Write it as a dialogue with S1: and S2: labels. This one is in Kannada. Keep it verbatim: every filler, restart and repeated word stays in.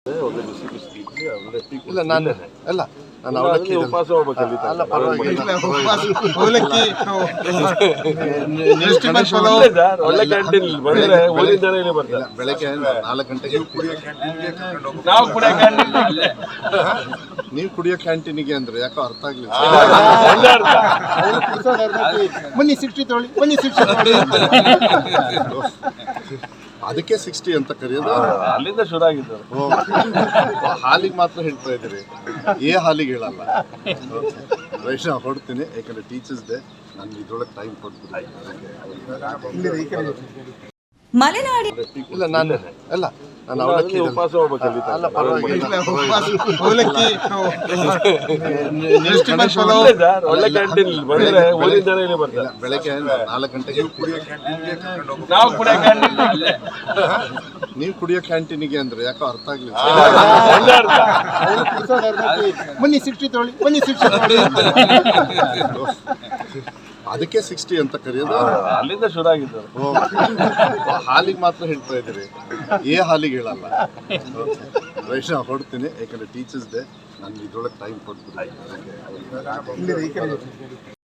S1: ಇಲ್ಲ ನಾನು ಅಲ್ಲ ನಾನು ಅವಲಕ್ಕಿ
S2: ಉಪವಾಸ ಹೋಗ್ಬೇಕಲ್ಲಿ
S1: ಅಲ್ಲ ಪರವಾಗಿಲ್ಲ
S3: ಅವಲಕ್ಕಿ
S2: ಒಳ್ಳೆ ಕ್ಯಾಂಟೀನ್ ಬಂದ್ರೆ ಊರಿನ ಜನ ಇಲ್ಲಿ ಬರ್ತಾರೆ.
S1: ಬೆಳಗ್ಗೆ ನಾಲ್ಕು ಗಂಟೆಗೆ
S2: ನಾವು ಕೂಡ ಕ್ಯಾಂಟೀನ್
S1: ನೀವು ಕುಡಿಯೋ ಕ್ಯಾಂಟೀನಿಗೆ ಅಂದ್ರೆ ಯಾಕೋ ಅರ್ಥ ಆಗ್ಲಿಲ್ಲ.
S2: ಒಳ್ಳೆ ಅರ್ಥ.
S3: ಬನ್ನಿ ಸಿಕ್ಸ್ಟಿ ತೊಗೊಳ್ಳಿ ಬನ್ನಿ ಸಿಕ್ಸ್ಟಿ ತೊಗೊಳ್ಳಿ
S1: ಅದಕ್ಕೆ ಸಿಕ್ಸ್ಟಿ ಅಂತ ಕರೆಯೋದು.
S2: ಅಲ್ಲಿಂದ ಶುರು ಆಗಿದ್ದು.
S1: ಓ, ಹಾಲಿಗೆ ಮಾತ್ರ ಹೇಳ್ತಾ ಇದ್ದೀರಿ, ಏ ಹಾಲಿಗೆ ಹೇಳಲ್ಲ. ವೈಷ್ಣವ್ ಹೊಡ್ತೀನಿ, ಯಾಕಂದ್ರೆ ಟೀಚರ್ಸ್ ಡೇ ನಾನು ಇದ್ರೊಳಗೆ ಟೈಮ್ ಕೊಡ್ತೀನಿ.
S4: ಮಲೆನಾಡಿ
S1: ಇಲ್ಲ ನಾನು ಅಲ್ಲ ನಾನು ಅವಲಕ್ಕಿ
S2: ಉಪವಾಸ ಹೋಗ್ಬೇಕಲ್ಲಿ
S1: ಅಲ್ಲ ಪರವಾಗಿಲ್ಲ
S3: ಅವಲಕ್ಕಿ
S2: ಒಳ್ಳೆ ಕ್ಯಾಂಟೀನ್ ಬಂದ್ರೆ ಊರಿನ ಜನ ಇಲ್ಲಿ ಬರ್ತಾರೆ.
S1: ಬೆಳಗ್ಗೆ ನಾಲ್ಕು ಗಂಟೆಗೆ
S2: ನಾವು ಕೂಡ ಕ್ಯಾಂಟೀನ್
S1: ನೀವು ಕುಡಿಯೋ ಕ್ಯಾಂಟೀನಿಗೆ ಅಂದ್ರೆ ಯಾಕೋ ಅರ್ಥ ಆಗ್ಲಿಲ್ಲ.
S2: ಒಳ್ಳೆ ಅರ್ಥ.
S3: ಬನ್ನಿ ಸಿಕ್ಸ್ಟಿ ತೊಗೊಳ್ಳಿ ಬನ್ನಿ ಸಿಕ್ಸ್ಟಿ ತೊಗೊಳ್ಳಿ
S1: ಅದಕ್ಕೆ ಸಿಕ್ಸ್ಟಿ ಅಂತ ಕರೆಯೋದು.
S2: ಅಲ್ಲಿಂದ ಶುರು ಆಗಿದ್ದು.
S1: ಓ, ಹಾಲಿಗೆ ಮಾತ್ರ ಹೇಳ್ತಾ ಇದ್ದೀರಿ, ಏ ಹಾಲಿಗೆ ಹೇಳಲ್ಲ. ವೈಷ್ಣವ್ ಹೊಡ್ತೀನಿ, ಯಾಕಂದ್ರೆ ಟೀಚರ್ಸ್ ಡೇ ನಾನು ಇದ್ರೊಳಗೆ ಟೈಮ್ ಕೊಡ್ತೀನಿ.